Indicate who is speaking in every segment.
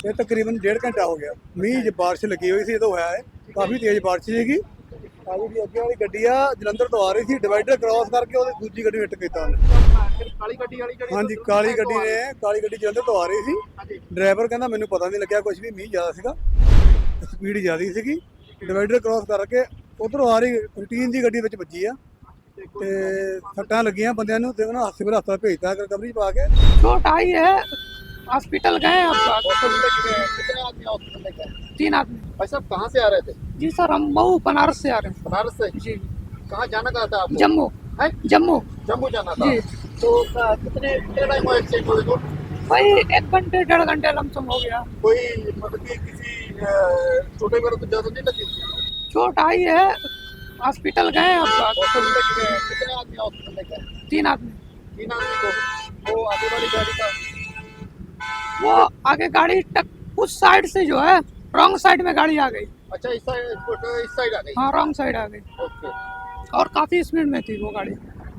Speaker 1: ਇਹ ਤਕਰੀਬਨ 1.5 ਘੰਟਾ ਹੋ ਗਿਆ। ਮੀਂਹ ਜ ਬਾਰਿਸ਼ ਲੱਗੀ ਹੋਈ ਸੀ ਜਦੋਂ ਹੋਇਆ ਹੈ। ਕਾਫੀ ਤੇਜ਼ ਬਾਰਿਸ਼ ਸੀਗੀ। ਆ ਜਿਹੜੀ ਅੱਗੇ ਵਾਲੀ ਗੱਡੀ ਆ ਜਲੰਧਰ ਤੋਂ ਆ ਰਹੀ ਸੀ, ਡਿਵਾਈਡਰ ਕ੍ਰਾਸ ਕਰਕੇ ਉਹਦੀ ਦੂਜੀ ਗੱਡੀ ਹਿੱਟ ਕੀਤਾ ਉਹਨੇ।
Speaker 2: ਕਾਲੀ ਗੱਡੀ ਵਾਲੀ ਜਿਹੜੀ
Speaker 1: ਹਾਂਜੀ, ਕਾਲੀ ਗੱਡੀ ਜਲੰਧਰ ਤੋਂ ਆ ਰਹੀ ਸੀ। ਡਰਾਈਵਰ ਕਹਿੰਦਾ ਮੈਨੂੰ ਪਤਾ ਨਹੀਂ ਲੱਗਿਆ ਕੁਝ ਵੀ, ਮੀਂਹ ਜ਼ਿਆਦਾ ਸੀਗਾ, ਸਪੀਡ ਜ਼ਿਆਦਾ ਸੀਗੀ। ਡਿਵਾਈਡਰ ਕ੍ਰਾਸ ਕਰਕੇ ਉਧਰੋਂ ਆ ਰਹੀ ਰੂਟੀਨ ਦੀ ਗੱਡੀ ਵਿੱਚ ਵੱਜੀ ਆ ਤੇ ਸੱਟਾਂ ਲੱਗੀਆਂ ਬੰਦਿਆਂ ਨੂੰ, ਤੇ ਉਹਨਾਂ ਸਿਵਲ ਹਸਪਤਾਲ ਭੇਜਤਾ ਰਿਕਵਰੀ ਪਾ ਕੇ।
Speaker 3: चोट आई है, हॉस्पिटल गए आप?
Speaker 2: कितने आदमी हॉस्पिटल में गए?
Speaker 3: 3 आदमी।
Speaker 2: भाई साहब कहाँ से आ रहे थे?
Speaker 3: जी सर, हम मऊ बनारस से आ रहे हैं।
Speaker 2: बनारस से?
Speaker 3: जी।
Speaker 2: कहाँ जाना कहा था आपको?
Speaker 3: जम्मू।
Speaker 2: है?
Speaker 3: जम्मू।
Speaker 2: जम्मू जाना था।
Speaker 3: जी।
Speaker 2: तो कितने टाइम हुआ एक्सीडेंट हुए तो?
Speaker 3: भाई 1 घंटे 1.5 घंटे लमसम हो गया।
Speaker 2: कोई मतलब कि किसी छोटे बड़े को ज्यादा नहीं लगी?
Speaker 3: चोट आई है, हॉस्पिटल गए आप?
Speaker 2: हॉस्पिटल में गए। कितने आदमी हॉस्पिटल में गए?
Speaker 3: 3 आदमी।
Speaker 2: 3 आदमी को। वो आगे वाली गाड़ी का
Speaker 3: वो आगे गाड़ी उस साइड से जो है रॉन्ग साइड में गाड़ी आ गई।
Speaker 2: अच्छा, इस साइड आ गई।
Speaker 3: हाँ, रॉन्ग साइड आ गई
Speaker 2: ओके।
Speaker 3: और काफी स्पीड में थी वो गाड़ी।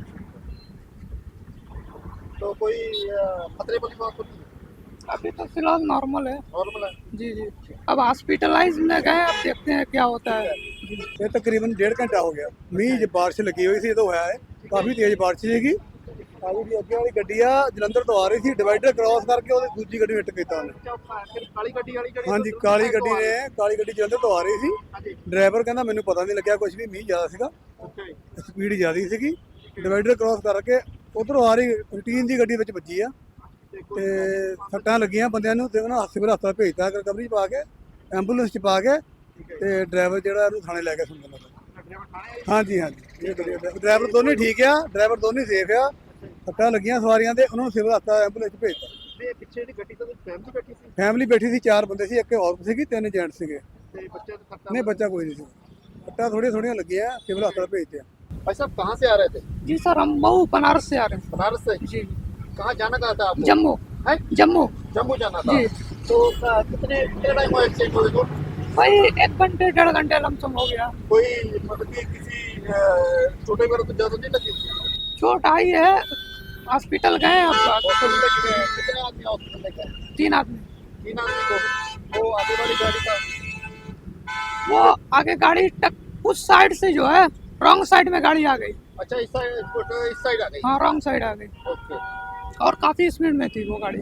Speaker 2: तो कोई खतरे वाली बात होती है?
Speaker 3: अभी तो फिलहाल नॉर्मल है।
Speaker 2: नॉर्मल है।
Speaker 3: जी जी। अब हॉस्पिटलाइज में गए, अब देखते हैं क्या होता है।
Speaker 1: ਇਹ ਤਕਰੀਬਨ 1.5 ਘੰਟਾ ਹੋ ਗਿਆ। ਮੀਂਹ ਜ ਬਾਰਿਸ਼ ਲੱਗੀ ਹੋਈ ਸੀ ਜਦੋਂ ਹੋਇਆ ਹੈ। ਕਾਫੀ ਤੇਜ਼ ਬਾਰਿਸ਼ ਸੀਗੀ। ਆ ਜਿਹੜੀ ਅੱਗੇ ਵਾਲੀ ਗੱਡੀ ਆ ਜਲੰਧਰ ਤੋਂ ਆ ਰਹੀ ਸੀ, ਡਿਵਾਈਡਰ ਕ੍ਰਾਸ ਕਰਕੇ ਉਹਦੀ ਦੂਜੀ ਗੱਡੀ ਹਿੱਟ ਕੀਤਾ ਉਹਨੇ।
Speaker 2: ਕਾਲੀ ਗੱਡੀ ਵਾਲੀ ਜਿਹੜੀ
Speaker 1: ਹਾਂਜੀ, ਕਾਲੀ ਗੱਡੀ ਜਲੰਧਰ ਤੋਂ ਆ ਰਹੀ ਸੀ। ਡਰਾਈਵਰ ਕਹਿੰਦਾ ਮੈਨੂੰ ਪਤਾ ਨਹੀਂ ਲੱਗਿਆ ਕੁਝ ਵੀ, ਮੀਂਹ ਜ਼ਿਆਦਾ ਸੀਗਾ,
Speaker 2: ਓਕੇ।
Speaker 1: ਸਪੀਡ ਜ਼ਿਆਦਾ ਸੀਗੀ। ਡਿਵਾਈਡਰ ਕ੍ਰਾਸ ਕਰਕੇ ਉਧਰੋਂ ਆ ਰਹੀ ਰੂਟੀਨ ਦੀ ਗੱਡੀ ਵਿੱਚ ਵੱਜੀ ਆ ਤੇ ਸੱਟਾਂ ਲੱਗੀਆਂ ਬੰਦਿਆਂ ਨੂੰ, ਤੇ ਉਹਨਾਂ ਸਿਵਲ ਹਸਪਤਾਲ ਭੇਜਤਾ ਰਿਕਵਰੀ ਪਾ ਕੇ, ਐਂਬੂਲੈਂਸ 'ਚ ਪਾ ਕੇ, ਤੇ ਡਰਾਈਵਰ ਜਿਹੜਾ ਇਹਨੂੰ ਥਾਣੇ ਲੈ ਕੇ ਸੁਣਨ ਲੱਗਾ। ਹਾਂਜੀ, ਇਹ ਡਰਾਈਵਰ ਦੋਨੇ ਠੀਕ ਆ, ਡਰਾਈਵਰ ਦੋਨੇ ਸੇਫ ਆ। ਸੱਟਾਂ ਲੱਗੀਆਂ ਸਵਾਰੀਆਂ ਦੇ, ਉਹਨਾਂ ਨੂੰ ਸਿਵਲ ਹਸਪਤਾਲ ਐਂਬੂਲੈਂਸ 'ਚ ਭੇਜਤਾ।
Speaker 2: ਤੇ ਪਿੱਛੇ ਦੀ ਗੱਡੀ ਤੋਂ ਫੈਮਿਲੀ ਬੈਠੀ ਸੀ?
Speaker 1: ਫੈਮਿਲੀ ਬੈਠੀ ਸੀ, 4 ਬੰਦੇ ਸੀ, ਇੱਕ ਔਰਤ ਸੀਗੀ, 3 ਜੈਂਟ ਸੀਗੇ।
Speaker 2: ਤੇ ਬੱਚੇ ਦਾ ਖਤਰਾ
Speaker 1: ਨਹੀਂ, ਬੱਚਾ ਕੋਈ ਨਹੀਂ ਸੀ। ਸੱਟਾਂ ਥੋੜੀਆਂ ਲੱਗੀਆਂ, ਸਿਵਲ ਹਸਪਤਾਲ ਭੇਜਤੇ।
Speaker 2: भाई साहब कहाँ से आ रहे थे?
Speaker 3: जी सर, हम मऊ बनारस से आ रहे हैं।
Speaker 2: बनारस से?
Speaker 3: जी।
Speaker 2: कहाँ जाना कहा था आपको?
Speaker 3: जम्मू।
Speaker 2: है?
Speaker 3: जम्मू।
Speaker 2: जम्मू जाना था।
Speaker 3: जी।
Speaker 2: तो कितने टाइम हुआ एक्सीडेंट हुए तो?
Speaker 3: भाई 1 घंटे 1.5 घंटे लमसम हो गया।
Speaker 2: कोई मतलब कि किसी छोटे बड़े को ज्यादा नहीं लगी?
Speaker 3: चोट आई है, हॉस्पिटल गए आप?
Speaker 2: हॉस्पिटल में गए। कितने आदमी हॉस्पिटल में गए?
Speaker 3: 3 आदमी।
Speaker 2: 3 आदमी को। वो आगे वाली गाड़ी का
Speaker 3: वो आगे गाड़ी उस साइड से जो है रॉन्ग साइड में गाड़ी आ गई।
Speaker 2: अच्छा, इस साइड आ गई।
Speaker 3: हाँ, रॉन्ग साइड आ गई
Speaker 2: ओके।
Speaker 3: और काफी स्पीड में थी वो गाड़ी।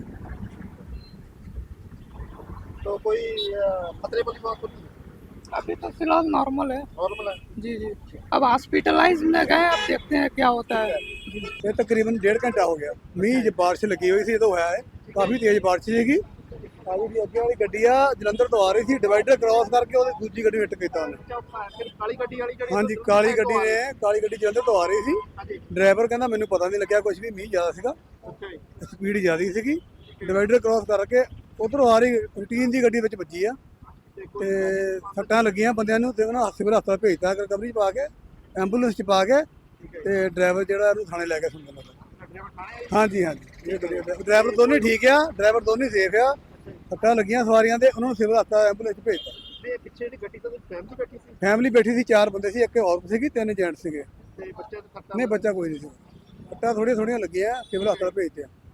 Speaker 2: तो कोई खतरे वाली बात होती है?
Speaker 3: अभी तो फिलहाल नॉर्मल है।
Speaker 2: नॉर्मल है।
Speaker 3: जी जी। अब हॉस्पिटलाइज में गए, अब देखते हैं क्या होता है।
Speaker 1: ਇਹ ਤਕਰੀਬਨ 1.5 ਘੰਟਾ ਹੋ ਗਿਆ। ਮੀਂਹ ਜ ਬਾਰਿਸ਼ ਲੱਗੀ ਹੋਈ ਸੀ ਜਦੋਂ ਹੋਇਆ ਹੈ। ਕਾਫੀ ਤੇਜ਼ ਬਾਰਿਸ਼ ਸੀਗੀ। ਆ ਜਿਹੜੀ ਅੱਗੇ ਵਾਲੀ ਗੱਡੀ ਆ ਜਲੰਧਰ ਤੋਂ ਆ ਰਹੀ ਸੀ, ਡਿਵਾਈਡਰ ਕ੍ਰਾਸ ਕਰਕੇ ਉਹਦੀ ਦੂਜੀ ਗੱਡੀ ਹਿੱਟ ਕੀਤਾ ਉਹਨੇ।
Speaker 2: ਕਾਲੀ ਗੱਡੀ ਵਾਲੀ ਜਿਹੜੀ
Speaker 1: ਹਾਂਜੀ, ਕਾਲੀ ਗੱਡੀ ਜਲੰਧਰ ਤੋਂ ਆ ਰਹੀ ਸੀ। ਡਰਾਈਵਰ ਕਹਿੰਦਾ ਮੈਨੂੰ ਪਤਾ ਨਹੀਂ ਲੱਗਿਆ ਕੁਝ ਵੀ, ਮੀਂਹ ਜ਼ਿਆਦਾ ਸੀਗਾ,
Speaker 2: ਓਕੇ।
Speaker 1: ਸਪੀਡ ਜ਼ਿਆਦਾ ਸੀਗੀ। ਡਿਵਾਈਡਰ ਕ੍ਰਾਸ ਕਰਕੇ ਉਧਰੋਂ ਆ ਰਹੀ ਰੂਟੀਨ ਦੀ ਗੱਡੀ ਵਿੱਚ ਵੱਜੀ ਆ ਤੇ ਸੱਟਾਂ ਲੱਗੀਆਂ ਬੰਦਿਆਂ ਨੂੰ, ਤੇ ਉਹਨਾਂ ਸਿਵਲ ਹਸਪਤਾਲ ਭੇਜਤਾ ਰਿਕਵਰੀ ਪਾ ਕੇ, ਐਂਬੂਲੈਂਸ 'ਚ ਪਾ ਕੇ, ਤੇ ਡਰਾਈਵਰ ਜਿਹੜਾ ਇਹਨੂੰ ਥਾਣੇ ਲੈ ਕੇ ਸੁਣਨ ਲੱਗਾ। ਹਾਂਜੀ, ਇਹ ਡਰਾਈਵਰ ਦੋਨੇ ਠੀਕ ਆ, ਡਰਾਈਵਰ ਦੋਨੇ ਸੇਫ ਆ। ਸੱਟਾਂ ਲੱਗੀਆਂ ਸਵਾਰੀਆਂ ਦੇ, ਉਹਨਾਂ ਨੂੰ ਸਿਵਲ ਹਸਪਤਾਲ ਐਂਬੂਲੈਂਸ 'ਚ ਭੇਜਤਾ।
Speaker 2: ਤੇ ਪਿੱਛੇ ਦੀ ਗੱਡੀ ਤੋਂ ਫੈਮਿਲੀ ਬੈਠੀ ਸੀ?
Speaker 1: ਫੈਮਿਲੀ ਬੈਠੀ ਸੀ, 4 ਬੰਦੇ ਸੀ, ਇੱਕ ਔਰਤ ਸੀਗੀ, 3 ਜੈਂਟ ਸੀਗੇ।
Speaker 2: ਤੇ ਬੱਚੇ ਦਾ ਖਤਰਾ
Speaker 1: ਨਹੀਂ, ਬੱਚਾ ਕੋਈ ਨਹੀਂ ਸੀ। ਸੱਟਾਂ ਥੋੜੀਆਂ ਲੱਗੀਆਂ, ਸਿਵਲ ਹਸਪਤਾਲ ਭੇਜਤੇ।